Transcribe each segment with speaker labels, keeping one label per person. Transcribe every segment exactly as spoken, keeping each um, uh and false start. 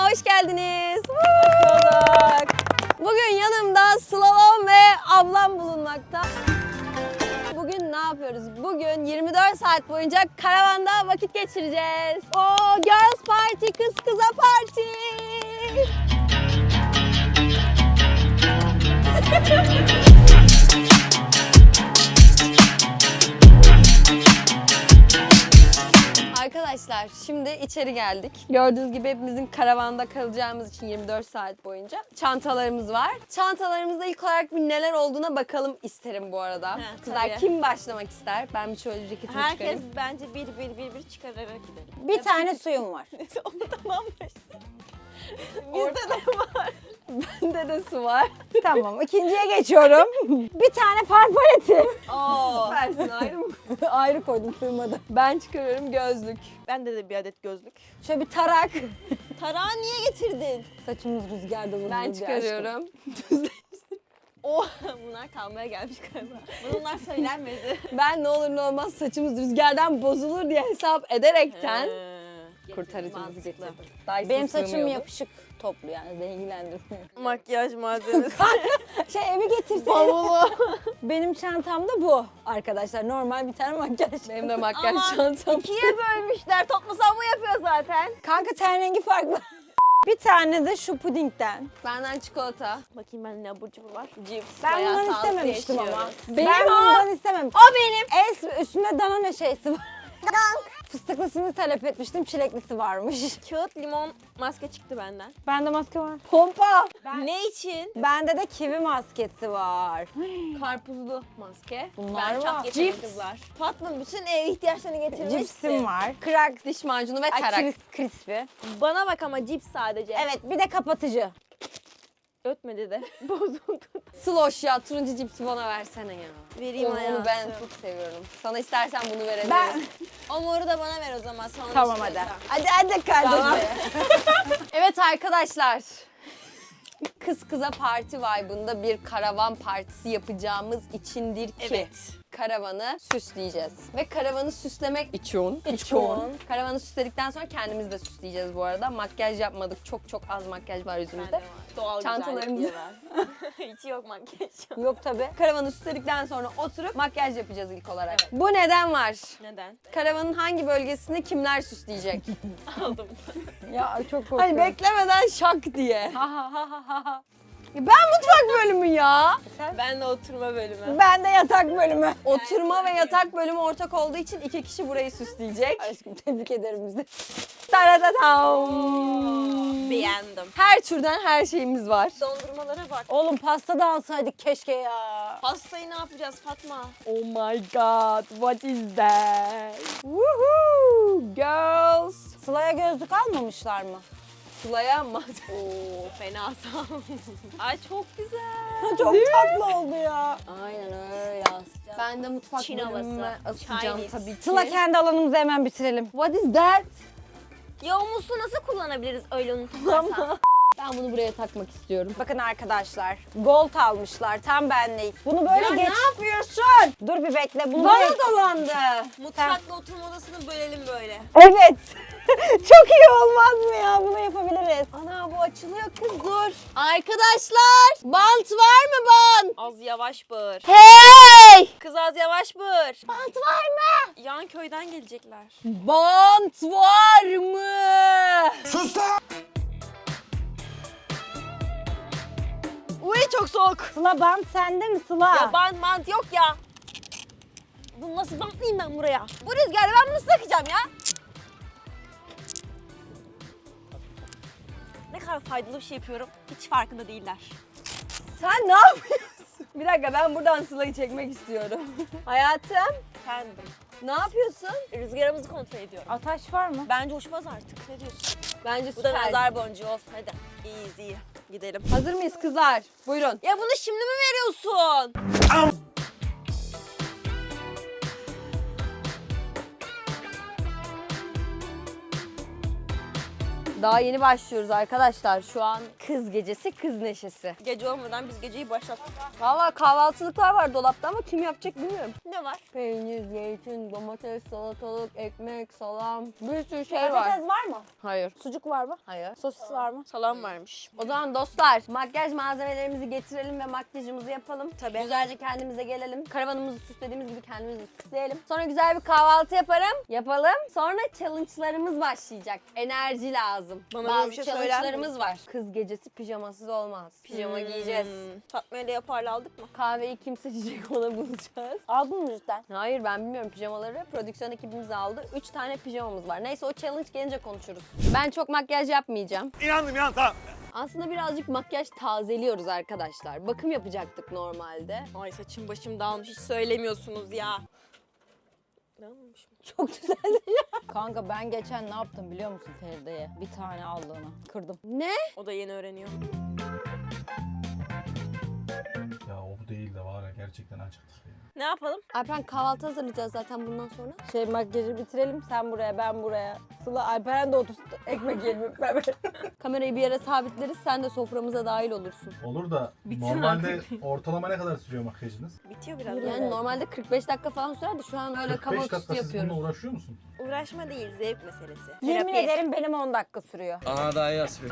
Speaker 1: hoş geldiniz. Hoş Bugün yanımda Slalom ve ablam bulunmakta. Bugün ne yapıyoruz? Bugün yirmi dört saat boyunca karavanda vakit geçireceğiz. Oo, girls party, kız kıza party. Arkadaşlar şimdi içeri geldik. Gördüğünüz gibi hepimizin karavanda kalacağımız için yirmi dört saat boyunca çantalarımız var. Çantalarımızda ilk olarak bir neler olduğuna bakalım isterim bu arada.
Speaker 2: He,
Speaker 1: Kızlar
Speaker 2: tabii.
Speaker 1: kim başlamak ister? Ben bir şöyle ceketimi
Speaker 2: Herkes
Speaker 1: çıkarayım.
Speaker 2: bence bir bir bir bir çıkararak gidelim.
Speaker 3: Bir tane suyum var.
Speaker 2: Onu tamamlaş. Bizde de var.
Speaker 1: Bende de su var.
Speaker 3: Tamam, ikinciye geçiyorum. Bir tane far paleti.
Speaker 2: Oo.
Speaker 1: Süpersin, ayrı mı?
Speaker 3: Ayrı koydum, sığmadı.
Speaker 1: Ben çıkarıyorum gözlük.
Speaker 2: Bende de bir adet gözlük.
Speaker 3: Şöyle bir tarak.
Speaker 2: Tarağı niye getirdin?
Speaker 3: Saçımız rüzgarda vuruldu.
Speaker 1: Ben çıkarıyorum.
Speaker 2: O bunlar kalmaya gelmiş galiba. Bunlar söylenmedi.
Speaker 1: Ben ne olur ne olmaz saçımız rüzgardan bozulur diye hesap ederekten
Speaker 2: Ee,
Speaker 1: kurtarıcımızı
Speaker 2: mantıklı.
Speaker 1: getirdim. Dyson
Speaker 3: Benim saçım
Speaker 1: sığmıyordu.
Speaker 3: yapışık toplu yani ilgilendirmiyor.
Speaker 2: Makyaj malzemesi.
Speaker 3: Şey evi getirse.
Speaker 2: Bavulu.
Speaker 3: Benim çantamda bu arkadaşlar. Normal bir tane makyaj.
Speaker 1: Benim de makyaj
Speaker 2: Ama
Speaker 1: çantam.
Speaker 2: ikiye bölmüşler. Toplasam bu yapıyor zaten.
Speaker 3: Kanka ten rengi farklı. Bir tane de şu pudingden.
Speaker 1: Benden çikolata.
Speaker 2: Bakayım ben ne abur cubur var. Cips.
Speaker 3: Ben
Speaker 2: Bayağı
Speaker 3: bundan
Speaker 2: sağlıklı
Speaker 3: istememiştim ama.
Speaker 2: yaşıyoruz.
Speaker 1: Benim
Speaker 3: ben
Speaker 1: o.
Speaker 3: bundan istemem.
Speaker 2: O benim.
Speaker 3: Es üstünde Danone şeysi var. Fıstıklısını talep etmiştim. Çileklisi varmış.
Speaker 2: Kağıt limon maske çıktı benden.
Speaker 3: Bende maske var.
Speaker 1: Pompa.
Speaker 2: Ne için?
Speaker 3: Bende de kivi maskesi var.
Speaker 1: Karpuzlu maske.
Speaker 3: Bunlar
Speaker 2: Ben
Speaker 3: var.
Speaker 2: çok getirdim
Speaker 1: Cips.
Speaker 2: kızlar. Tatlım bütün ev ihtiyaçlarını getirmişsin.
Speaker 3: Cipsim var.
Speaker 1: Krak diş macunu ve
Speaker 3: Ay,
Speaker 1: tarak.
Speaker 3: kris, crispy.
Speaker 2: Bana bak ama cips sadece.
Speaker 3: Evet, bir de kapatıcı.
Speaker 2: Ötmedi de. Bozuldu.
Speaker 1: Sloş ya, turuncu cipsi bana versene ya.
Speaker 2: Vereyim
Speaker 1: Onu, onu
Speaker 2: hayatım.
Speaker 1: ben çok seviyorum. Sana istersen bunu verebilirim.
Speaker 3: Ben...
Speaker 2: O moru da bana ver o zaman. Sana
Speaker 3: Tamam,
Speaker 2: istiyorsan.
Speaker 3: hadi.
Speaker 1: Hadi hadi kardeşim.
Speaker 2: Tamam.
Speaker 1: Evet arkadaşlar. Kız kıza parti vibe'ında bir karavan partisi yapacağımız içindir ki
Speaker 2: Evet.
Speaker 1: karavanı süsleyeceğiz. Ve karavanı süslemek için,
Speaker 3: İçin.
Speaker 1: karavanı süsledikten sonra kendimiz de süsleyeceğiz bu arada. Makyaj yapmadık. Çok çok az makyaj var yüzümüzde.
Speaker 2: Bende var. Doğal
Speaker 1: Çantalarımızı-
Speaker 2: güzellik diye var. Hiç yok makyaj.
Speaker 3: Yok tabii.
Speaker 1: Karavanı süsledikten sonra oturup makyaj yapacağız ilk olarak.
Speaker 2: Evet.
Speaker 1: Bu neden var?
Speaker 2: Neden?
Speaker 1: Karavanın hangi bölgesini kimler süsleyecek?
Speaker 2: Aldım.
Speaker 3: Ya çok korkuyorum.
Speaker 1: Hani beklemeden şak diye.
Speaker 3: Ha ha ha ha ha.
Speaker 1: Ben mutfak bölümü ya.
Speaker 2: Ben de oturma bölümü.
Speaker 3: Ben de yatak bölümü.
Speaker 1: Oturma ve yatak bölümü ortak olduğu için iki kişi burayı süsleyecek.
Speaker 3: Aşkım tebrik ederim bizi.
Speaker 1: Taratatam.
Speaker 2: Beğendim.
Speaker 1: Her türden her şeyimiz var.
Speaker 2: Dondurmalara bak.
Speaker 3: Oğlum pasta da alsaydık keşke ya.
Speaker 2: Pastayı ne yapacağız Fatma?
Speaker 1: Oh my god, what is that? Woohoo, girls.
Speaker 3: Sıla'ya gözlük almamışlar mı?
Speaker 1: Sıla'ya mı?
Speaker 2: Oo fena sağ ol. Ay çok güzel.
Speaker 3: Çok tatlı oldu ya.
Speaker 1: Aynen öyle asacağım. Ben de mutfak
Speaker 2: Çin
Speaker 1: bölümüme
Speaker 2: havası.
Speaker 1: asacağım
Speaker 2: Chinese.
Speaker 1: tabii ki.
Speaker 3: Sıla kendi alanımızı hemen bitirelim.
Speaker 1: What is that?
Speaker 2: Ya o musluğu nasıl kullanabiliriz öyle unuturlarsa?
Speaker 1: Ben bunu buraya takmak istiyorum.
Speaker 3: Bakın arkadaşlar, gold almışlar tam benlik. Bunu böyle
Speaker 1: Ya
Speaker 3: geç.
Speaker 1: ne yapıyorsun?
Speaker 3: Dur bir bekle. Bunu
Speaker 1: Bana
Speaker 3: böyle...
Speaker 1: dolandı.
Speaker 2: Mutfakla oturma odasını bölelim böyle.
Speaker 3: Evet. Çok iyi olmaz mı ya? Bunu yapabiliriz.
Speaker 1: Ana bu açılıyor kız dur. Arkadaşlar bant var mı bant?
Speaker 2: Az yavaş bağır.
Speaker 1: Hey!
Speaker 2: Kız az yavaş bağır.
Speaker 1: Bant var mı?
Speaker 2: Yan köyden gelecekler.
Speaker 1: Bant var mı?
Speaker 2: Uy çok soğuk.
Speaker 3: Sıla bant sende mi Sıla?
Speaker 2: Ya bant mant yok ya. Bunu nasıl bantlayayım ben buraya? Bu rüzgarla ben bunu sıkacağım ya. Ne kadar faydalı bir şey yapıyorum hiç farkında değiller.
Speaker 1: Sen ne yapıyorsun? Bir dakika ben buradan Sıla'yı çekmek istiyorum. Hayatım
Speaker 2: Efendim.
Speaker 1: ne yapıyorsun?
Speaker 2: Rüzgarımızı kontrol ediyorum.
Speaker 3: Ataş var mı?
Speaker 2: Bence uçmaz artık. Ne diyorsun?
Speaker 1: Bence
Speaker 2: Bu da
Speaker 1: süper.
Speaker 2: nazar boncuğu olsun. Hadi. Easy. Gidelim.
Speaker 1: Hazır mıyız kızlar? Buyurun.
Speaker 2: Ya bunu şimdi mi veriyorsun?
Speaker 1: Daha yeni başlıyoruz arkadaşlar. Şu an kız gecesi, kız neşesi.
Speaker 2: Gece olmadan biz geceyi başlattık.
Speaker 1: Valla kahvaltılıklar var dolapta ama kim yapacak bilmiyorum.
Speaker 2: Ne var?
Speaker 1: Peynir, zeytin, domates, salatalık, ekmek, salam. Bir sürü şey var.
Speaker 3: Patates var mı?
Speaker 1: Hayır.
Speaker 3: Sucuk var mı?
Speaker 1: Hayır.
Speaker 3: Sosis var mı?
Speaker 2: Salam varmış.
Speaker 1: O zaman dostlar makyaj malzemelerimizi getirelim ve makyajımızı yapalım.
Speaker 2: Tabii.
Speaker 1: Güzelce kendimize gelelim. Karavanımızı süslediğimiz gibi kendimizi süsleyelim. Sonra güzel bir kahvaltı yaparım. Yapalım. Sonra challenge'larımız başlayacak. Enerji lazım.
Speaker 2: Bana
Speaker 1: Bazı
Speaker 2: böyle bir şey söyler
Speaker 1: challenge'larımız var. Kız gecesi pijamasız olmaz. Pijama giyeceğiz.
Speaker 2: Hmm. Fatma ile yaparla aldık mı?
Speaker 1: Kahveyi kim seçecek onu bulacağız.
Speaker 3: Aldın mı cidden?
Speaker 1: Hayır ben bilmiyorum pijamaları. Prodüksiyon ekibimiz aldı. Üç tane pijamamız var. Neyse o challenge gelince konuşuruz. Ben çok makyaj yapmayacağım.
Speaker 4: İnandım ya tamam.
Speaker 1: Aslında birazcık makyaj tazeliyoruz arkadaşlar. Bakım yapacaktık normalde.
Speaker 2: Ay saçım başım dağılmış hiç söylemiyorsunuz ya. Dağılmamış mı?
Speaker 1: Çok güzel.
Speaker 3: Kanka ben geçen ne yaptım biliyor musun Feride'ye? Bir tane allığına kırdım.
Speaker 1: Ne?
Speaker 2: O da yeni öğreniyor.
Speaker 4: Ya o bu değil de var ya gerçekten acıktık ya.
Speaker 2: Ne yapalım?
Speaker 1: Alperen kahvaltı hazırlayacağız zaten bundan sonra.
Speaker 3: Şey makyajı bitirelim sen buraya ben buraya. Sıla Alperen de otursun ekmek yiyelim hep beraber.
Speaker 1: Kamerayı bir yere sabitleriz. Sen de soframıza dahil olursun.
Speaker 4: Olur da
Speaker 2: Bitsin
Speaker 4: normalde ortalama ne kadar sürüyor makyajınız?
Speaker 2: Bitiyor biraz.
Speaker 1: Yani normalde kırk beş dakika falan sürer de şu an öyle
Speaker 4: kırk
Speaker 1: kaba
Speaker 4: beş
Speaker 1: üstü
Speaker 4: dakika siz
Speaker 1: yapıyoruz.
Speaker 4: bununla uğraşıyor musun?
Speaker 2: Uğraşma değil zevk meselesi.
Speaker 3: Yemin
Speaker 2: Terapi.
Speaker 3: ederim benim on dakika sürüyor.
Speaker 5: Aa daha iyi asıyor.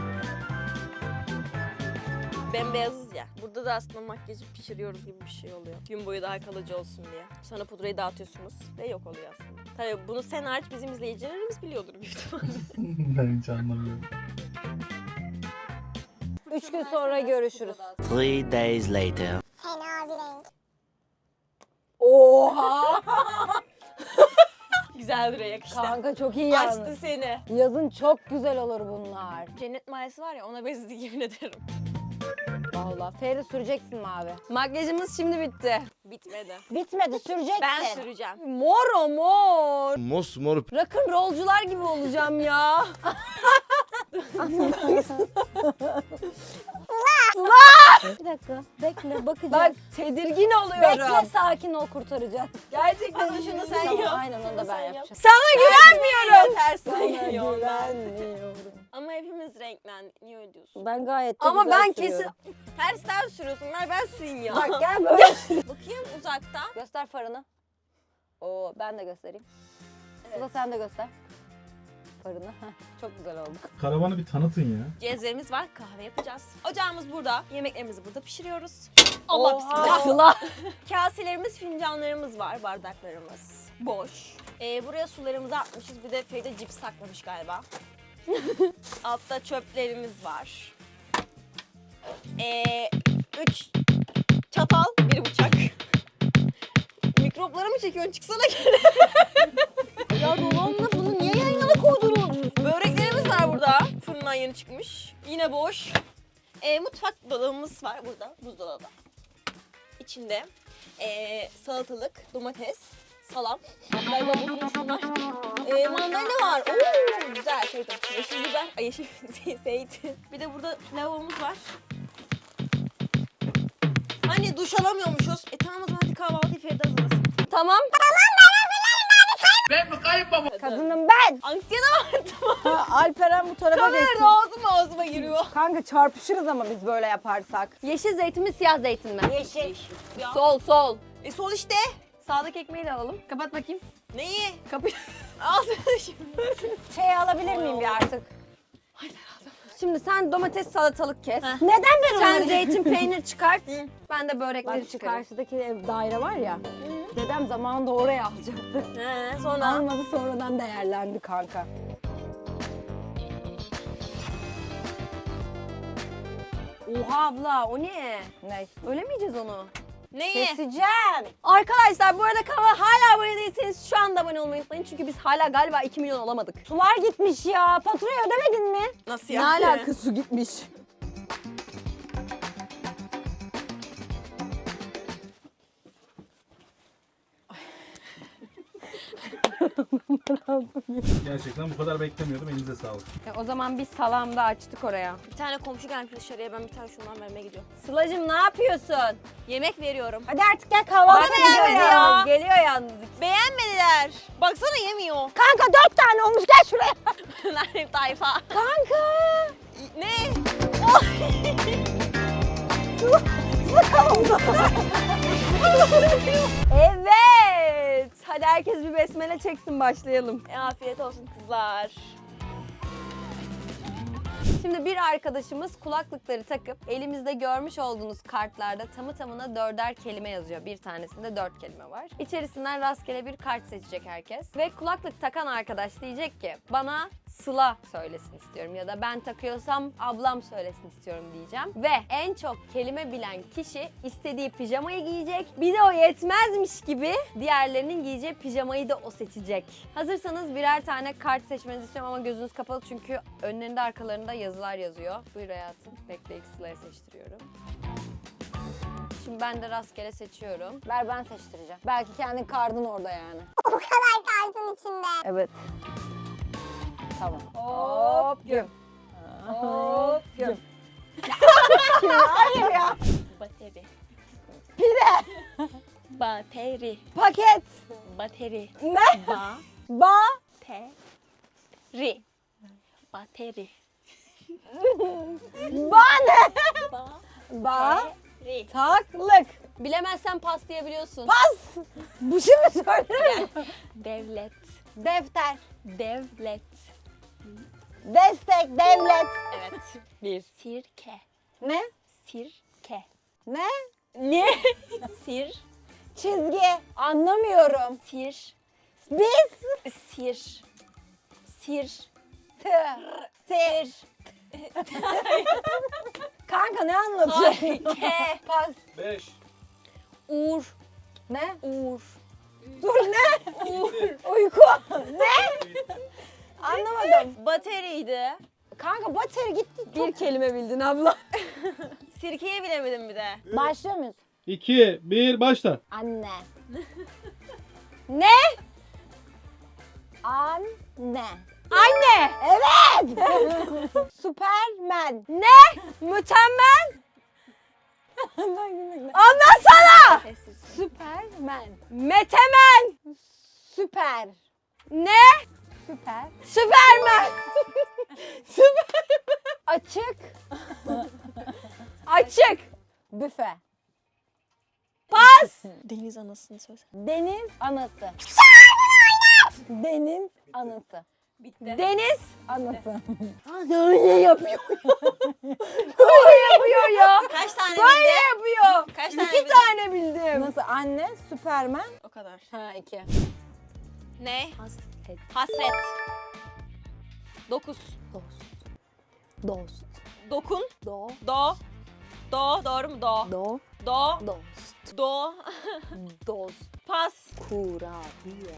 Speaker 2: Bembeyazız ya. Burada da aslında makyajı pişiriyoruz gibi bir şey oluyor. Gün boyu daha kalıcı olsun diye. Sonra pudrayı dağıtıyorsunuz ve yok oluyor aslında. Tabii bunu sen hariç bizim izleyicilerimiz biliyordur büyük ihtimalle.
Speaker 4: Ben hiç anlamıyorum.
Speaker 3: Üç gün sonra görüşürüz.
Speaker 5: Three days later.
Speaker 3: Oha!
Speaker 2: Güzel duruyor yakıştı.
Speaker 3: Kanka çok iyi
Speaker 2: Açtı
Speaker 3: yalnız.
Speaker 2: seni.
Speaker 3: Yazın çok güzel olur bunlar.
Speaker 2: Cennet mayası var ya ona benzedi yemin ederim.
Speaker 3: Vallahi Feride süreceksin mi abi?
Speaker 1: Makyajımız şimdi bitti.
Speaker 2: Bitmedi.
Speaker 3: Bitmedi süreceksin.
Speaker 2: Ben süreceğim.
Speaker 1: Mor o mor.
Speaker 5: Mosmor
Speaker 1: Rock'n rollcular gibi olacağım ya.
Speaker 3: Bir dakika bekle bakacağız.
Speaker 1: Bak tedirgin oluyorum.
Speaker 3: Bekle sakin ol kurtaracağız.
Speaker 2: Gerçekten şunu sen
Speaker 3: Tamam,
Speaker 2: yap.
Speaker 3: aynen onu da ben
Speaker 2: Sen yap.
Speaker 3: yapacağım.
Speaker 1: Sana güvenmiyorum.
Speaker 2: Tersten
Speaker 3: Sana
Speaker 2: geliyor onlar.
Speaker 3: güvenmiyorum.
Speaker 2: Ama hepimiz renklendik. Niye öyle diyorsun?
Speaker 3: Ben gayet de
Speaker 1: Ama
Speaker 3: güzel
Speaker 1: ben
Speaker 3: sürüyorum.
Speaker 1: kesin...
Speaker 2: Tersten sürüyorsun. Ver ben süreyim ya.
Speaker 3: Bak gel böyle.
Speaker 2: Bakayım uzaktan.
Speaker 3: Göster farını. Oo ben de göstereyim. Sıla sen de göster. Farını. Heh, çok güzel oldu.
Speaker 4: Karavanı bir tanıtın ya.
Speaker 2: Cezvemiz var. Kahve yapacağız. Ocağımız burada. Yemeklerimizi burada pişiriyoruz. Allah
Speaker 3: Oha.
Speaker 2: bismillah.
Speaker 1: Sıla.
Speaker 2: Kaselerimiz, fincanlarımız var. Bardaklarımız. Boş. Ee, buraya sularımızı atmışız. Bir de Feride cips saklamış galiba. Altta çöplerimiz var. Ee, üç çatal, bir bıçak. Mikropları mı çekiyorsun? Çıksana geri. Ya dolanla bunu niye yan yana koydunuz? Böreklerimiz var burada. Fırından yeni çıkmış. Yine boş. Ee, mutfak dolabımız var burada. Buzdolabı. İçinde ee, salatalık, domates, salam. Galiba bozulmuş bunlar. Ee, mandalina var. Oo, güzel. Şey, yeşil biber. Ay yeşil zeytin. Bir de burada lavabomuz var. Hani duş alamıyormuşuz. E tamam o zaman hadi kahvaltıyı Feride hazırlasın.
Speaker 1: Tamam.
Speaker 3: Kadınım ben.
Speaker 2: Anksiyete var tamam.
Speaker 3: Alperen bu tarafa
Speaker 2: Kamerada
Speaker 3: geçsin.
Speaker 2: ağzıma ağzıma giriyor.
Speaker 3: Kanka çarpışırız ama biz böyle yaparsak.
Speaker 1: Yeşil zeytin mi siyah zeytin mi?
Speaker 3: Yeşil.
Speaker 2: Ya.
Speaker 1: Sol sol.
Speaker 2: E sol işte.
Speaker 1: Sağdaki ekmeği de alalım. Kapat bakayım.
Speaker 2: Neyi?
Speaker 1: Kapıyı.
Speaker 2: Ağzına şimdi.
Speaker 3: Şey alabilir miyim bir artık?
Speaker 1: Şimdi sen domates salatalık kes.
Speaker 3: Neden ben
Speaker 1: Sen
Speaker 3: onları...
Speaker 1: zeytin peynir çıkart.
Speaker 2: Hı.
Speaker 1: Ben de börekleri
Speaker 3: Bak şu
Speaker 1: çıkarayım.
Speaker 3: karşıdaki ev, daire var ya. Dedem zamanında oraya alacaktı.
Speaker 2: He, sonra
Speaker 3: Almadı sonradan değerlendi kanka.
Speaker 1: Oha abla o ne?
Speaker 3: Ne?
Speaker 1: Öyle mi yiyeceğiz onu?
Speaker 2: neyi?
Speaker 3: Keseceğim.
Speaker 1: Arkadaşlar bu arada kanala hala abone değilseniz şu anda abone olmayı unutmayın. Çünkü biz hala galiba iki milyon olamadık.
Speaker 3: Sular gitmiş ya. Faturayı ödemedin mi?
Speaker 2: Nasıl
Speaker 1: Ne
Speaker 2: yani?
Speaker 1: alakası gitmiş?
Speaker 4: Gerçekten bu kadar beklemiyordum. Elinize sağlık.
Speaker 1: E, o zaman bir salam da açtık oraya.
Speaker 2: Bir tane komşu gelmiş dışarıya, ben bir tane şundan vermeye gidiyorum.
Speaker 1: Sıla'cığım ne yapıyorsun?
Speaker 2: Yemek veriyorum.
Speaker 3: Hadi artık gel kahvaltı
Speaker 1: Bana
Speaker 3: gidiyoruz
Speaker 1: geliyor
Speaker 3: ya.
Speaker 1: yalnız. Geliyor yalnız.
Speaker 2: Beğenmediler. Baksana yemiyor.
Speaker 3: Kanka dört tane olmuş gel şuraya.
Speaker 2: Nerede tayfa?
Speaker 3: Kanka.
Speaker 2: Ne?
Speaker 1: Evet. Hadi herkes bir besmele çeksin, başlayalım.
Speaker 2: E, afiyet olsun kızlar.
Speaker 1: Şimdi bir arkadaşımız kulaklıkları takıp elimizde görmüş olduğunuz kartlarda tamı tamına dörder kelime yazıyor. Bir tanesinde dört kelime var. İçerisinden rastgele bir kart seçecek herkes. Ve kulaklık takan arkadaş diyecek ki bana Sıla söylesin istiyorum ya da ben takıyorsam ablam söylesin istiyorum diyeceğim. Ve en çok kelime bilen kişi istediği pijamayı giyecek. Bir de o yetmezmiş gibi diğerlerinin giyeceği pijamayı da o seçecek. Hazırsanız birer tane kart seçmenizi istiyorum ama gözünüz kapalı çünkü önlerinde arkalarında yazılar yazıyor. Buyur hayatım. Bekle, ilk Sıla'ya seçtiriyorum. Şimdi ben de rastgele seçiyorum.
Speaker 3: Ver ben seçtireceğim. Belki kendin kardın orada yani.
Speaker 6: O kadar kartın içinde.
Speaker 3: Evet. Tamam.
Speaker 1: Hop güm. Hop güm.
Speaker 3: Hayır ya.
Speaker 2: Bateri.
Speaker 3: Pide.
Speaker 2: Bateri.
Speaker 3: Paket.
Speaker 2: Bateri.
Speaker 3: Ne?
Speaker 2: Ba.
Speaker 3: Ba.
Speaker 2: Te. Ri. Bateri.
Speaker 3: Ba ne?
Speaker 2: Ba.
Speaker 3: Ba.
Speaker 2: Ri.
Speaker 3: Taklık.
Speaker 1: Bilemezsen pas diyebiliyorsun.
Speaker 3: Pas. Bu şimdi söylerim.
Speaker 2: Devlet.
Speaker 3: Defter.
Speaker 2: Devlet.
Speaker 3: Destek. Devlet.
Speaker 2: Evet. Bir. Sirke.
Speaker 3: Ne?
Speaker 2: Sirke.
Speaker 3: Ne?
Speaker 2: Ne? Sir.
Speaker 3: Çizgi. Anlamıyorum.
Speaker 2: Sir.
Speaker 3: Biz.
Speaker 2: Sir. Sir.
Speaker 3: Tır. Tir. Kanka ne anlatıyorsun?
Speaker 2: Ke.
Speaker 3: Pas.
Speaker 4: beş.
Speaker 2: Uğur.
Speaker 3: Ne?
Speaker 2: Uğur.
Speaker 3: Dur ne?
Speaker 4: Uğur.
Speaker 3: Uyku. Ne? Anlamadım.
Speaker 2: Bateriydi.
Speaker 3: Kanka bateri gitti.
Speaker 1: Bir kelime bildin abla.
Speaker 2: Sirkeyi bilemedim bir de.
Speaker 3: Başlıyor muyuz?
Speaker 4: iki, bir, başla.
Speaker 3: Anne.
Speaker 1: Ne?
Speaker 3: Anne.
Speaker 1: Anne.
Speaker 3: Evet. Süpermen.
Speaker 1: Ne? Mükemmel. Anlatsana.
Speaker 2: Sessiz.
Speaker 3: Süpermen.
Speaker 1: Metemen.
Speaker 3: Süper.
Speaker 1: Ne?
Speaker 3: Süper.
Speaker 1: Süpermen. Süpermen.
Speaker 3: Açık.
Speaker 1: Açık.
Speaker 3: Büfe.
Speaker 1: Pas.
Speaker 2: Deniz anasını söyle.
Speaker 3: Deniz anası. Deniz anası.
Speaker 2: Bitti.
Speaker 1: Deniz.
Speaker 3: Anası.
Speaker 1: Öyle yapıyor. Böyle yapıyor ya.
Speaker 2: Kaç tane
Speaker 1: Böyle
Speaker 2: bildin?
Speaker 1: yapıyor.
Speaker 2: Kaç tane
Speaker 1: İki
Speaker 2: bildin?
Speaker 1: tane bildim.
Speaker 3: Nasıl? Anne, Süpermen.
Speaker 2: O kadar.
Speaker 3: Ha iki.
Speaker 2: Ne?
Speaker 3: Hasret.
Speaker 2: Hasret. Dokuz.
Speaker 3: Dost. Dost.
Speaker 2: Dokun.
Speaker 3: Do.
Speaker 2: Do. Do. Doğru mu? Do.
Speaker 3: Do.
Speaker 2: Do.
Speaker 3: Dost.
Speaker 2: Do.
Speaker 3: Dost.
Speaker 2: Pas.
Speaker 3: Kurabiye.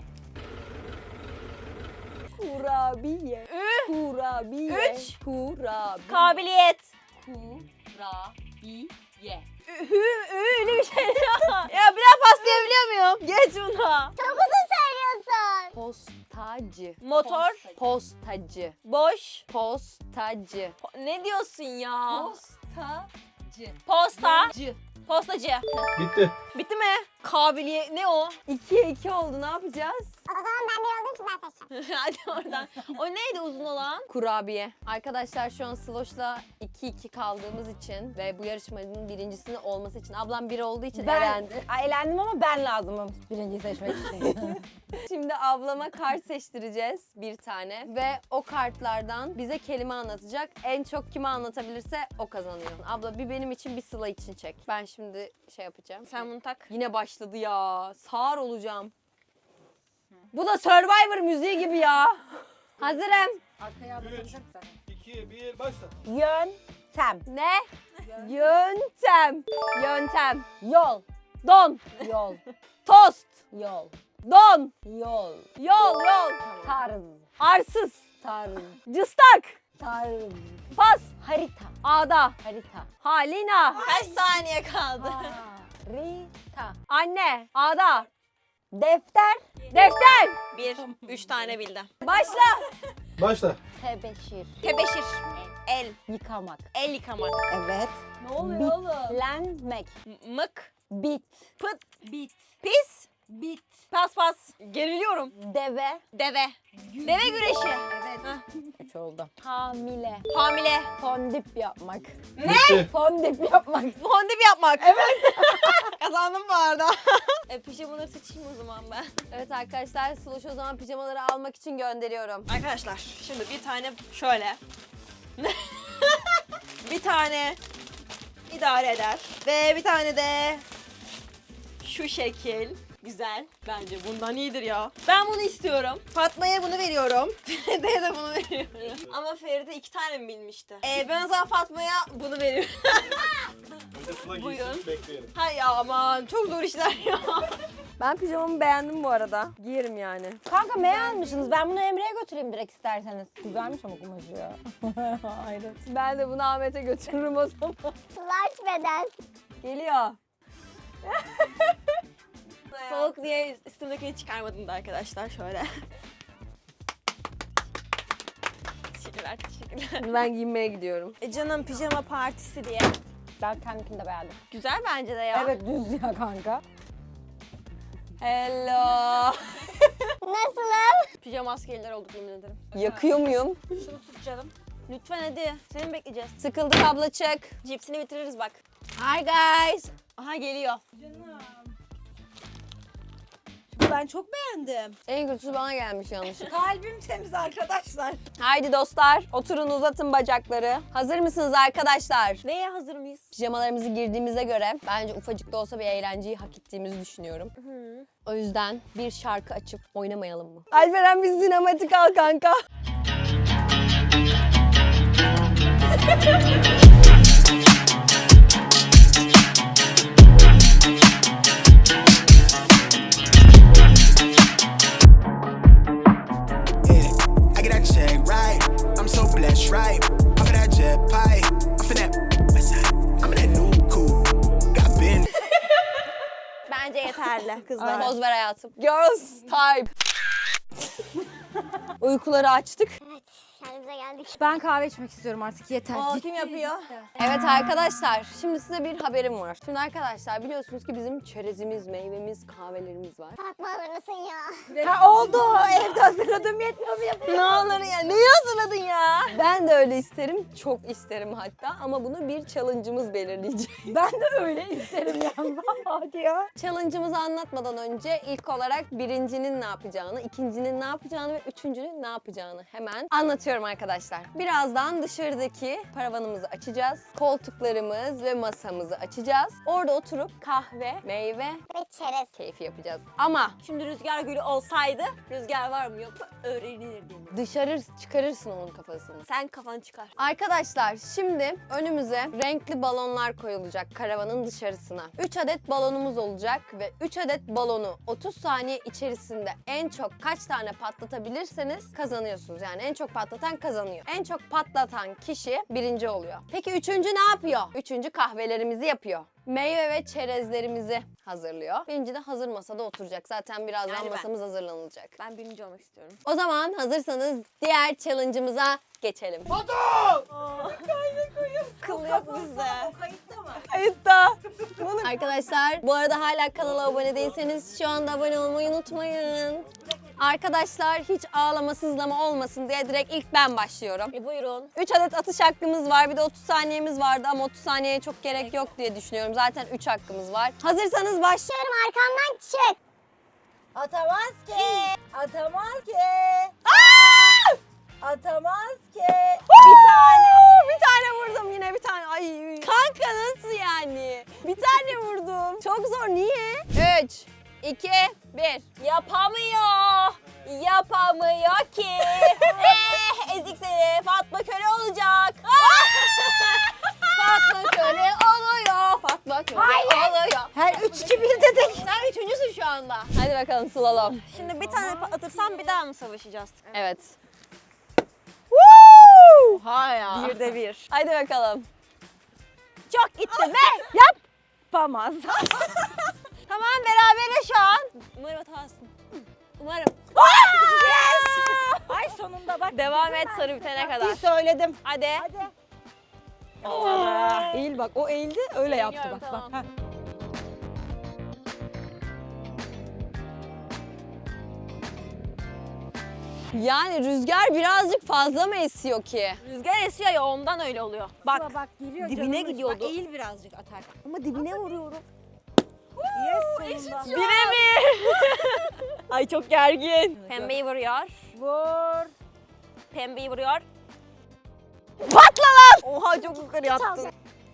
Speaker 1: Kurabiye.
Speaker 2: Ü.
Speaker 1: Kurabiye.
Speaker 2: Üç.
Speaker 1: Kurabiye.
Speaker 2: Kabiliyet.
Speaker 1: Kurabiye.
Speaker 2: Ü. Ü. Öyle bir şey ya. Ya bir daha pas diyebiliyor muyum? Geç buna.
Speaker 6: Çok uzun söylüyorsun.
Speaker 1: Postacı.
Speaker 2: Motor.
Speaker 1: Postacı.
Speaker 2: Boş.
Speaker 1: Postacı.
Speaker 2: Po- ne diyorsun ya?
Speaker 1: Postacı.
Speaker 2: Posta.
Speaker 1: Cı.
Speaker 2: Postacı.
Speaker 4: Bitti.
Speaker 2: Bitti mi? Kabiliyet. Ne o?
Speaker 1: İkiye iki oldu, ne yapacağız?
Speaker 6: O zaman ben bir oldum ki ben seçeceğim.
Speaker 2: Hadi oradan. O neydi uzun olan?
Speaker 1: Kurabiye. Arkadaşlar şu an Sloş'la iki iki kaldığımız için ve bu yarışmanın birincisinin olması için ablam bir olduğu için
Speaker 3: Ben
Speaker 1: elendi.
Speaker 3: Ay, elendim ama ben lazımım birinciyi seçmek için.
Speaker 1: Şimdi ablama kart seçtireceğiz bir tane ve o kartlardan bize kelime anlatacak. En çok kime anlatabilirse o kazanıyor. Abla bir benim için bir Sıla için çek. Ben şimdi şey yapacağım.
Speaker 2: Sen bunu tak.
Speaker 1: Yine başladı ya. Sağır olacağım. Bu da Survivor müziği gibi ya. Hazırım.
Speaker 3: Arkaya
Speaker 4: üç, iki, bir, başla.
Speaker 3: Yöntem.
Speaker 1: Ne? Yöntem. Yöntem.
Speaker 3: Yol.
Speaker 1: Don.
Speaker 3: Yol.
Speaker 1: Tost.
Speaker 3: Yol.
Speaker 1: Don.
Speaker 3: Yol.
Speaker 1: Yol yol.
Speaker 3: Tarz.
Speaker 1: Arsız.
Speaker 3: Tarz.
Speaker 1: Cıstak.
Speaker 3: Tarz.
Speaker 1: Pas.
Speaker 3: Harita.
Speaker 1: Ağda.
Speaker 3: Harita.
Speaker 1: Halina.
Speaker 2: Kaç saniye kaldı?
Speaker 3: Harita.
Speaker 1: Anne. Ağda.
Speaker 3: Defter.
Speaker 1: Defter.
Speaker 2: Bir, üç tane bildi.
Speaker 1: Başla.
Speaker 4: Başla.
Speaker 3: Tebeşir.
Speaker 2: Tebeşir. El.
Speaker 3: Yıkamak.
Speaker 2: El yıkamak.
Speaker 3: Evet.
Speaker 1: Ne oluyor oğlum?
Speaker 3: Bitlenmek.
Speaker 2: M- Mık.
Speaker 3: Bit.
Speaker 2: Pıt. Bit. Pis.
Speaker 3: Bit.
Speaker 2: Pas pas. Geriliyorum.
Speaker 3: Deve.
Speaker 2: Deve. Deve güreşi. Evet.
Speaker 3: Üç oldu. Hamile.
Speaker 2: Hamile.
Speaker 3: Fondip yapmak.
Speaker 4: Bitti.
Speaker 3: Fondip yapmak.
Speaker 2: Fondip yapmak. Evet. Kazandım bu arada. e, pijamaları seçeyim o zaman ben.
Speaker 1: Evet arkadaşlar Sloş'u o zaman pijamaları almak için gönderiyorum.
Speaker 2: Arkadaşlar şimdi bir tane şöyle. Bir tane idare eder. Ve bir tane de şu şekil. Güzel. Bence bundan iyidir ya. Ben bunu istiyorum. Fatma'ya bunu veriyorum. Feride'ye de bunu veriyorum. Ama Feride iki tane mi bilmişti? Ee, ben o zaman Fatma'ya bunu veriyorum.
Speaker 4: Önce Sıla
Speaker 2: Buyurun.
Speaker 4: giysin bekleyelim.
Speaker 2: Hay ya aman çok zor işler ya.
Speaker 1: Ben pijamamı beğendim bu arada. Giyerim yani.
Speaker 3: Kanka ne almışsınız? Ben bunu Emre'ye götüreyim direkt isterseniz. Güzelmiş ama kumaşı ya. Hayret.
Speaker 1: Ben de bunu Ahmet'e götürürüm o zaman.
Speaker 6: Large beden.
Speaker 1: Geliyor.
Speaker 2: Soğuk diye üstümdekini çıkarmadım da arkadaşlar şöyle. Teşekkürler, teşekkürler.
Speaker 1: Ben giyinmeye gidiyorum.
Speaker 2: E canım pijama partisi diye.
Speaker 3: Ben kendimkini de beğendim.
Speaker 2: Güzel bence de ya.
Speaker 3: Evet düz ya kanka.
Speaker 1: Hello.
Speaker 6: Nasılım?
Speaker 2: Pijama askerler olduk yemin ederim.
Speaker 1: Yakıyor muyum?
Speaker 2: Şunu tut canım. Lütfen hadi. Seni mi bekleyeceğiz?
Speaker 1: Sıkıldık abla çık.
Speaker 2: Cipsini bitiririz bak.
Speaker 1: Hi guys.
Speaker 2: Aha geliyor. Ben çok beğendim.
Speaker 1: En kötüsü bana gelmiş yanlışlıkla.
Speaker 2: Kalbim temiz arkadaşlar.
Speaker 1: Haydi dostlar oturun uzatın bacakları. Hazır mısınız arkadaşlar?
Speaker 2: Neye hazır mıyız?
Speaker 1: Pijamalarımızı girdiğimize göre bence ufacık da olsa bir eğlenceyi hak ettiğimizi düşünüyorum. O yüzden bir şarkı açıp oynamayalım mı? Alperen bir sinematik al kanka.
Speaker 7: Yeah, I get that check right. I'm so blessed, right? Off of that jet pie. Off of that west side. I'm in that new coupe. Got been.
Speaker 2: Bence yeterli kızlar.
Speaker 1: Poz ver hayatım. Girls type. Uykuları açtık.
Speaker 6: Evet, kendimize geldik.
Speaker 3: Ben kahve içmek istiyorum artık yeter.
Speaker 2: O kim yapıyor?
Speaker 1: Evet arkadaşlar, şimdi size bir haberim var. Şimdi arkadaşlar biliyorsunuz ki bizim çerezimiz, meyvemiz, kahvelerimiz var.
Speaker 6: Fatma alır mısın ya?
Speaker 2: Ha oldu. Evde hazırladım yetmiyor mu yapayım? Ne olur ya. Neyi hazırladın ya?
Speaker 1: Ben de öyle isterim, çok isterim hatta ama bunu bir challenge'ımız belirleyecek.
Speaker 3: Ben de öyle isterim yani. Hadi ya.
Speaker 1: Challenge'ımızı anlatmadan önce ilk olarak birincinin ne yapacağını, ikincinin ne yapacağını ve üçüncünün ne yapacağını hemen anlatıyorum arkadaşlar. Birazdan dışarıdaki paravanımızı açacağız. Koltuklarımız ve masamızı açacağız. Orada oturup kahve, meyve
Speaker 6: Ve çerez.
Speaker 1: keyfi yapacağız. Ama
Speaker 2: Şimdi rüzgar gülü olsaydı rüzgar var mı yok mu öğrenirdim.
Speaker 1: dışarı çıkarırsın onun kafasını.
Speaker 2: Sen kafanı çıkar.
Speaker 1: Arkadaşlar şimdi önümüze renkli balonlar koyulacak karavanın dışarısına. üç adet balonumuz olacak ve üç adet balonu otuz saniye içerisinde en çok kaç tane patlatabilirseniz kazanıyorsunuz. Yani en çok patlatan kazanıyor. En çok patlatan kişi birinci oluyor. Peki üçüncü ne yapıyor? Üçüncü kahvelerimizi yapıyor. Meyve ve çerezlerimizi hazırlıyor. Birinci de hazır masada oturacak. Zaten birazdan
Speaker 2: Yani ben.
Speaker 1: masamız hazırlanılacak.
Speaker 2: Ben birinci olmak istiyorum.
Speaker 1: O zaman hazırsanız diğer challenge'ımıza geçelim.
Speaker 2: Kıl yok bizde.
Speaker 1: Kayıtta. Arkadaşlar bu arada hala kanala abone değilseniz şu anda abone olmayı unutmayın. Arkadaşlar hiç ağlama sızlama olmasın diye direkt ilk ben başlıyorum.
Speaker 2: E buyurun.
Speaker 1: üç adet atış hakkımız var. Bir de otuz saniyemiz vardı ama otuz saniyeye çok gerek yok diye düşünüyorum. Zaten üç hakkımız var. Hazırsanız başlayalım.
Speaker 6: Diyorum arkamdan çık.
Speaker 3: Atamaz ki. Atamaz ki. Atamaz ki.
Speaker 1: Bir tane. Bir tane vurdum yine bir tane. Ay kanka nasıl yani? Bir tane vurdum. Çok zor. Niye? üç, iki, bir.
Speaker 2: Yapamıyor. Yapamıyor ki. eh, ezik seni. Fatma köle olacak.
Speaker 1: Fatma köle oluyor. Fatma köle oluyor.
Speaker 3: Her üç iki bir dedik.
Speaker 2: Sen üçüncüsün şu anda.
Speaker 1: Hadi bakalım slalom.
Speaker 2: Şimdi bir tane patlatırsam bir daha mı savaşacağız?
Speaker 1: Evet.
Speaker 2: Ha ya. Bir de bir.
Speaker 1: Hadi bakalım.
Speaker 2: Çok gitti be.
Speaker 3: Yapamaz.
Speaker 1: Tamam beraberiz şu an.
Speaker 2: Umarım hatasın. Umarım.
Speaker 3: Yes! Ay sonunda bak.
Speaker 2: Devam et sarı bitene kadar.
Speaker 3: Söyledim.
Speaker 2: Hadi.
Speaker 3: Hadi. Eğil bak. O eğildi öyle yaptı
Speaker 2: Eğiliyorum,
Speaker 3: bak.
Speaker 2: tamam.
Speaker 3: bak. Heh.
Speaker 1: Yani rüzgar birazcık fazla mı esiyor ki?
Speaker 2: Rüzgar esiyor ya ondan öyle oluyor. Bak.
Speaker 3: Sıla bak giriyor
Speaker 2: dibine
Speaker 3: canımın içi.
Speaker 2: gidiyordu.
Speaker 3: Bak, eğil birazcık atarken.
Speaker 2: Ama dibine vuruyorum.
Speaker 3: Yes sonunda.
Speaker 2: Bire mi? Ay çok gergin. Pembeyi vuruyor.
Speaker 3: Vur.
Speaker 2: Pembeyi vuruyor.
Speaker 1: Patla lan!
Speaker 2: Oha çok yukarı attın.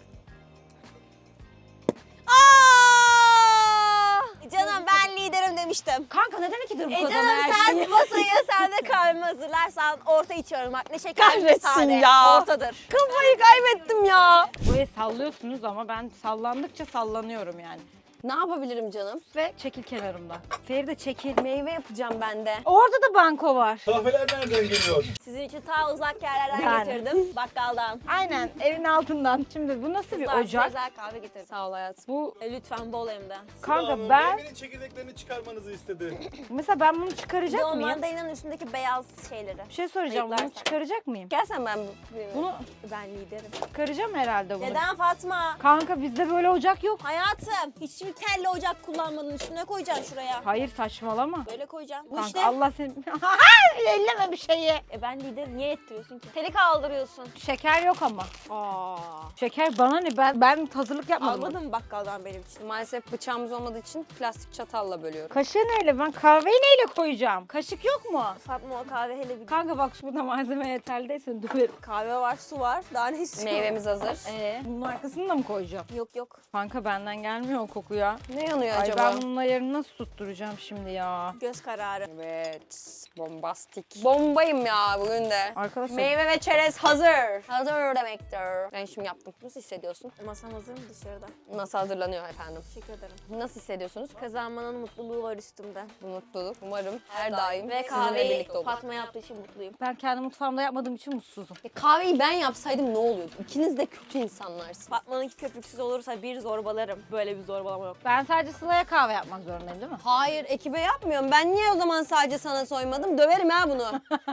Speaker 1: Aa!
Speaker 2: Canım ben liderim demiştim.
Speaker 3: Kanka neden ikidir bu
Speaker 2: E
Speaker 3: kadar
Speaker 2: canım
Speaker 3: her
Speaker 2: sen
Speaker 3: şey?
Speaker 2: masayı sen de kahvemi hazırlarsan orta içiyorum bak ne şeker ne
Speaker 1: Kahretsin
Speaker 2: sade.
Speaker 1: ya.
Speaker 2: Ortadır.
Speaker 1: Kafayı kaybettim ya.
Speaker 3: Burayı sallıyorsunuz ama ben sallandıkça sallanıyorum yani.
Speaker 1: Ne yapabilirim canım?
Speaker 3: Ve çekil kenarımda. Feride çekil.
Speaker 1: Meyve yapacağım ben de.
Speaker 3: Orada da banko var.
Speaker 4: Kahveler nereden geliyor?
Speaker 2: Sizin için ta uzak yerlerden
Speaker 3: Yani.
Speaker 2: getirdim bakkaldan.
Speaker 3: Aynen evin altından. Şimdi bu nasıl bir
Speaker 2: Kızlar,
Speaker 3: ocak?
Speaker 2: özel kahve getirdim.
Speaker 1: Sağ ol hayatım.
Speaker 3: Bu
Speaker 2: E, lütfen bol hem de.
Speaker 3: kanka ben
Speaker 4: Meyvenin çekirdeklerini çıkarmanızı istedi.
Speaker 3: mesela ben bunu
Speaker 2: Bir de
Speaker 3: çıkaracak
Speaker 2: o
Speaker 3: mıyım?
Speaker 2: mandalina'nın üstündeki beyaz şeyleri.
Speaker 3: Bir şey soracağım. Bunu
Speaker 2: Ayıklarsan.
Speaker 3: çıkaracak mıyım?
Speaker 1: Gelsen ben bu.
Speaker 3: Bunu
Speaker 2: Ben liderim.
Speaker 3: çıkaracağım herhalde bunu.
Speaker 2: Neden Fatma?
Speaker 3: Kanka bizde böyle ocak yok.
Speaker 2: Hayatım hiçbir kelle ocak kullanmadın üstüne koyacaksın şuraya.
Speaker 3: Hayır saçmalama.
Speaker 2: Böyle koyacaksın. Bu
Speaker 3: Kanka
Speaker 2: işte.
Speaker 3: Allah seni... Elleme bir şeyi.
Speaker 2: E ben liderim niye ettiriyorsun ki? Teli kaldırıyorsun.
Speaker 3: Şeker yok ama.
Speaker 2: Aa.
Speaker 3: Şeker bana ne? Ben ben hazırlık yapmadım.
Speaker 2: Almadın mı bakkaldan benim için?
Speaker 1: Maalesef bıçağımız olmadığı için plastik çatalla bölüyorum.
Speaker 3: Kaşığı neyle? Ben kahveyi neyle koyacağım? Kaşık yok mu?
Speaker 2: Fatma o kahve hele bir
Speaker 3: Kanka bak şurada malzeme yeterli değilse döverim.
Speaker 2: kahve var, su var. Daha ne istiyorsun?
Speaker 1: Meyvemiz hazır.
Speaker 3: Ee, bunun arkasını da mı koyacağım?
Speaker 2: Yok yok.
Speaker 3: Kanka benden gelmiyor o koku ya.
Speaker 1: Ne yanıyor
Speaker 3: Ay
Speaker 1: acaba?
Speaker 3: ben bunun ayarını nasıl tutturacağım şimdi ya?
Speaker 2: Göz kararı.
Speaker 1: Evet, bombastik. Bombayım ya bugün de.
Speaker 3: Arkadaşlar
Speaker 1: Meyve ve çerez hazır. Hazır demektir. Ben şimdi yaptım. Nasıl hissediyorsun?
Speaker 2: Masam hazır mı dışarıda?
Speaker 1: Nasıl hazırlanıyor efendim?
Speaker 2: Teşekkür ederim.
Speaker 1: Nasıl hissediyorsunuz?
Speaker 2: Kazanmanın mutluluğu var üstümde.
Speaker 1: Bu mutluluk umarım her daim
Speaker 2: Ve
Speaker 1: sizinle
Speaker 2: kahveyi
Speaker 1: birlikte olur.
Speaker 2: Fatma yaptığı için mutluyum.
Speaker 3: ben kendi mutfağımda yapmadığım için mutsuzum.
Speaker 1: E, kahveyi ben yapsaydım ne oluyordu? İkiniz de kötü insanlarsınız.
Speaker 2: Fatma'nınki köpüksüz olursa bir zorbalarım. Böyle bir zorbalama yok.
Speaker 3: Ben sadece Sıla'ya kahve yapmak zorundayım değil mi?
Speaker 1: Hayır ekibe yapmıyorum. Ben niye o zaman sadece sana soymadım? Döverim ha bunu.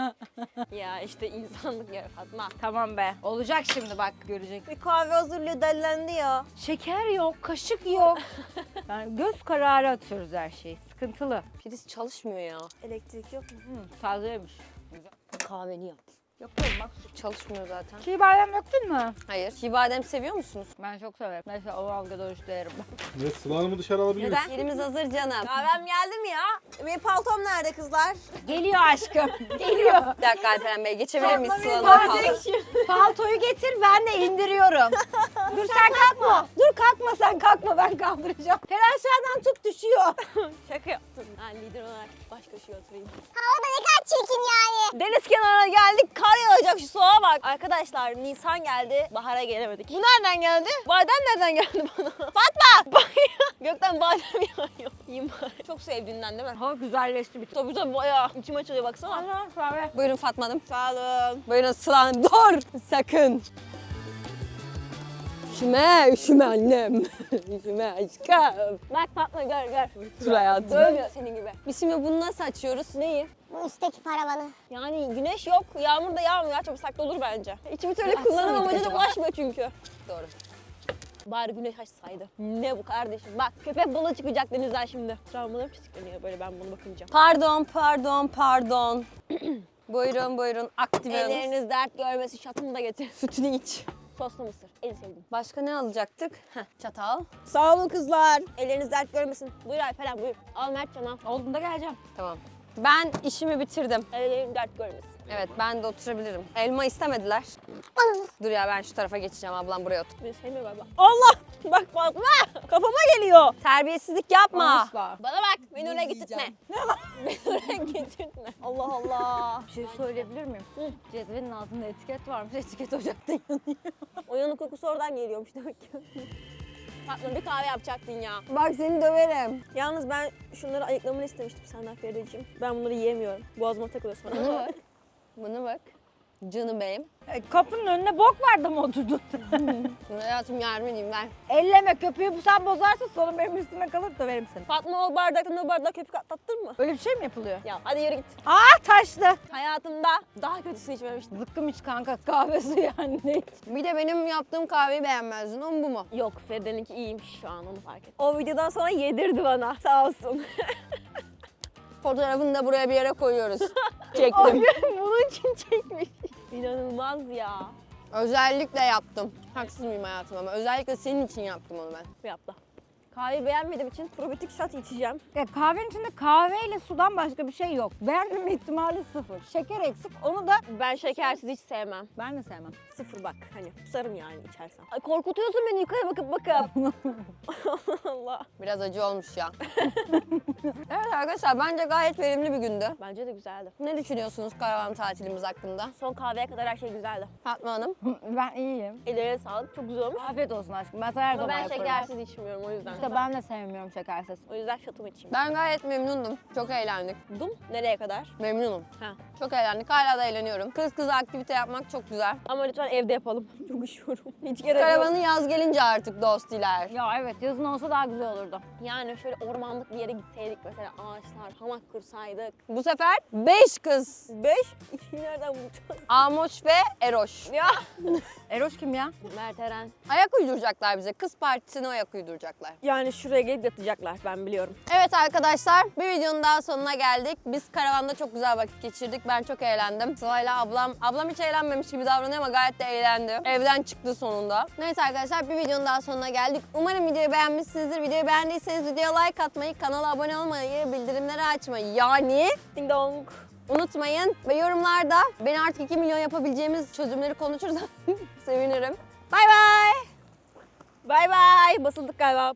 Speaker 2: Ya işte insanlık ya Fatma.
Speaker 3: Tamam be. Olacak şimdi bak görecek.
Speaker 2: Bir kahve hazırlıyor dellendi ya.
Speaker 3: Şeker yok, kaşık yok. Yani göz kararı atıyoruz her şeyi. Sıkıntılı.
Speaker 1: Priz çalışmıyor ya.
Speaker 2: Elektrik yok mu?
Speaker 3: Hı, tazeymiş.
Speaker 1: Kahveni yap.
Speaker 3: Yapıyorum bak.
Speaker 1: Çalışmıyor zaten.
Speaker 3: Çiğ badem döktün mü?
Speaker 1: Hayır. Çiğ badem seviyor musunuz?
Speaker 3: Ben çok severim. Mesela o algıda oruçlu yerim ben.
Speaker 4: Ve Sıla Hanım'ı dışarı alabiliyoruz.
Speaker 2: Neden?
Speaker 1: Yerimiz hazır canım.
Speaker 2: Kahvem geldi mi ya? Benim paltom nerede kızlar?
Speaker 3: Geliyor aşkım. Geliyor.
Speaker 1: Bir dakika Alperen Bey geçebilir miyiz
Speaker 3: Fatma
Speaker 1: Sıla'nın
Speaker 3: benim
Speaker 1: paltosu?
Speaker 3: Paltoyu getir ben de indiriyorum. Dur sen kalkma. Dur kalkma sen kalkma ben kaldıracağım. Fer aşağıdan tut düşüyor.
Speaker 2: Şaka yaptım. Ben lider olarak baş köşeye oturayım.
Speaker 6: Havada ne kadar çirkin yani.
Speaker 2: Deniz kenarına geldik. Kar yağacak şu soğuğa bak. Arkadaşlar Nisan geldi. Bahara gelemedik. Bu nereden geldi? Badem nereden geldi bana? Fatma! Bak ya. Gökten badem yağıyor. Yiyeyim bari. Çok sevdiğinden değil mi?
Speaker 3: Hava güzelleşti bir
Speaker 2: Tabii tabii bayağı. İçim açılıyor baksana.
Speaker 3: kahve.
Speaker 1: Buyurun Fatma Hanım.
Speaker 2: Sağ olun.
Speaker 1: Buyurun Sıla Hanım. Dur! Sakın. Üşüme, üşüme annem. Üşüme aşkım.
Speaker 2: Bak Fatma gör gör.
Speaker 1: Dur hayatım.
Speaker 2: Dövmüyor senin gibi.
Speaker 1: Biz şimdi bunu nasıl açıyoruz?
Speaker 2: Neyi?
Speaker 6: Bu üstteki paravanı.
Speaker 2: Yani güneş yok, yağmur da yağmıyor. Çabucak olur bence. İçimi öyle
Speaker 1: Açsana
Speaker 2: kullanım
Speaker 1: bir
Speaker 2: amacına
Speaker 1: acaba.
Speaker 2: ulaşmıyor çünkü.
Speaker 1: Doğru.
Speaker 2: Bari güneş açsaydı. Ne bu kardeşim? Bak köpek balığı çıkacak denizden şimdi. Travmalarım çizikleniyor böyle ben bunu bakınca.
Speaker 1: Pardon, pardon, pardon. Buyurun, buyurun. Aktive alın.
Speaker 2: Elleriniz dert görmesin şatımı da getir.
Speaker 1: Sütünü iç.
Speaker 2: Soslu mısır. En sevdiğim.
Speaker 1: Başka ne alacaktık? Heh, çatal.
Speaker 2: Sağ olun kızlar. Elleriniz dert görmesin. Buyur Alperen buyur. Al Mertcan al.
Speaker 3: Olduğunda geleceğim.
Speaker 1: Tamam. Ben işimi bitirdim.
Speaker 2: Ellerim dert görmesin.
Speaker 1: Evet, ben de oturabilirim. Elma istemediler. Dur ya ben şu tarafa geçeceğim. Ablam buraya otur.
Speaker 2: Beni sevmiyor galiba. Allah! Bak Fatma! Kafama geliyor.
Speaker 1: Terbiyesizlik yapma.
Speaker 3: Asla.
Speaker 2: Bana bak. Beni oraya getirtme. Beni oraya getirtme. Allah Allah.
Speaker 3: Bir şey söyleyebilir miyim? Hı. Cezvenin altında etiket varmış. Etiket ocakta yanıyor.
Speaker 2: O yanık kokusu oradan geliyormuş demek ki. Fatma bir kahve yapacaktın ya.
Speaker 1: Bak seni döverim.
Speaker 2: Yalnız ben şunları ayıklamanı istemiştim senden Ferideciğim. Ben bunları yiyemiyorum. Boğazıma takılıyor sonra.
Speaker 1: Buna bak. Buna bak. Canım benim.
Speaker 3: E, kapının önüne bok vardı mı oturdun?
Speaker 1: Hayatım yardım edeyim ver.
Speaker 3: Elleme köpüğü, bu sen bozarsın sonra benim üstüme kalır da verim seni.
Speaker 2: Fatma o bardaktan o bardağa köpük atlattın mı?
Speaker 3: Öyle bir şey mi yapılıyor?
Speaker 2: Ya hadi yürü git.
Speaker 3: Aa taştı.
Speaker 2: Hayatımda daha kötüsünü içmemiştim.
Speaker 3: Zıkkım iç kanka, kahve suyu yani ne iç?
Speaker 1: Bir de benim yaptığım kahveyi beğenmezdin. O mu bu mu?
Speaker 2: Yok Feride'ninki iyiymiş şu an onu fark ettim. O videodan sonra yedirdi bana sağ olsun.
Speaker 1: Fotoğrafını da buraya bir yere koyuyoruz. Çektim.
Speaker 2: Bunun için çekmiş. İnanılmaz ya.
Speaker 1: Özellikle yaptım. Haksız mıyım hayatım ama özellikle senin için yaptım onu ben.
Speaker 2: Bu yaptı. Kahveyi beğenmediğim için probiyotik shot içeceğim.
Speaker 3: Ya kahvenin içinde kahveyle sudan başka bir şey yok. Beğenmeme ihtimali sıfır. Şeker eksik, onu da
Speaker 2: Ben şekersiz hiç sevmem.
Speaker 3: ben de sevmem.
Speaker 2: Sıfır bak hani kusarım yani içersem. Ay, korkutuyorsun beni yukarı bakıp bakıp. Allah.
Speaker 1: Biraz acı olmuş ya. Evet arkadaşlar bence gayet verimli bir gündü.
Speaker 2: Bence de güzeldi.
Speaker 1: Ne düşünüyorsunuz karavan tatilimiz hakkında?
Speaker 2: Son kahveye kadar her şey güzeldi.
Speaker 1: Fatma Hanım.
Speaker 3: Ben iyiyim.
Speaker 2: Ellerine sağlık çok güzel olmuş.
Speaker 3: Afiyet olsun aşkım. Ben sana her
Speaker 2: Ama
Speaker 3: zaman
Speaker 2: ben
Speaker 3: yaparım.
Speaker 2: şekersiz içmiyorum o yüzden.
Speaker 3: İşte ben de sevmiyorum şekersiz.
Speaker 2: O yüzden şatomu içeyim.
Speaker 1: Ben gayet memnundum. Çok eğlendik.
Speaker 2: Dum nereye kadar?
Speaker 1: Memnunum.
Speaker 2: Ha.
Speaker 1: Çok eğlendik. Hala da eğleniyorum. Kız kız aktivite yapmak çok güzel.
Speaker 2: Ama lütfen evde yapalım. Çok üşüyorum. Hiç gerek yok.
Speaker 1: Karavanı yaz gelince artık dostiler.
Speaker 3: Ya evet, yazın olsa daha güzel olurdu.
Speaker 2: Yani şöyle ormanlık bir yere gitseydik mesela ağaçlar, hamak kursaydık.
Speaker 1: Bu sefer beş kız.
Speaker 2: Beş, ikiyi nereden bulacağız?
Speaker 1: Amoş ve Eroş.
Speaker 2: Ya.
Speaker 3: Eroş kim ya?
Speaker 2: Mert Eren.
Speaker 1: Ayak uyduracaklar bize. Kız partisine ayak uyduracaklar.
Speaker 2: Yani şuraya gelip yatacaklar ben biliyorum.
Speaker 1: Evet arkadaşlar bir videonun daha sonuna geldik. Biz karavanda çok güzel vakit geçirdik. Ben çok eğlendim. Sıla'yla ablam, ablam hiç eğlenmemiş gibi davranıyor ama gayet de eğlendi. Evden çıktı sonunda. Neyse arkadaşlar bir videonun daha sonuna geldik. Umarım videoyu beğenmişsinizdir. Videoyu beğendiyseniz videoya like atmayı, kanala abone olmayı, bildirimleri açmayı yani
Speaker 2: Ding dong.
Speaker 1: unutmayın. Ve yorumlarda beni artık iki milyon yapabileceğimiz çözümleri konuşuruz. Sevinirim. Bay bay.
Speaker 2: Bay bay. Basıldık galiba.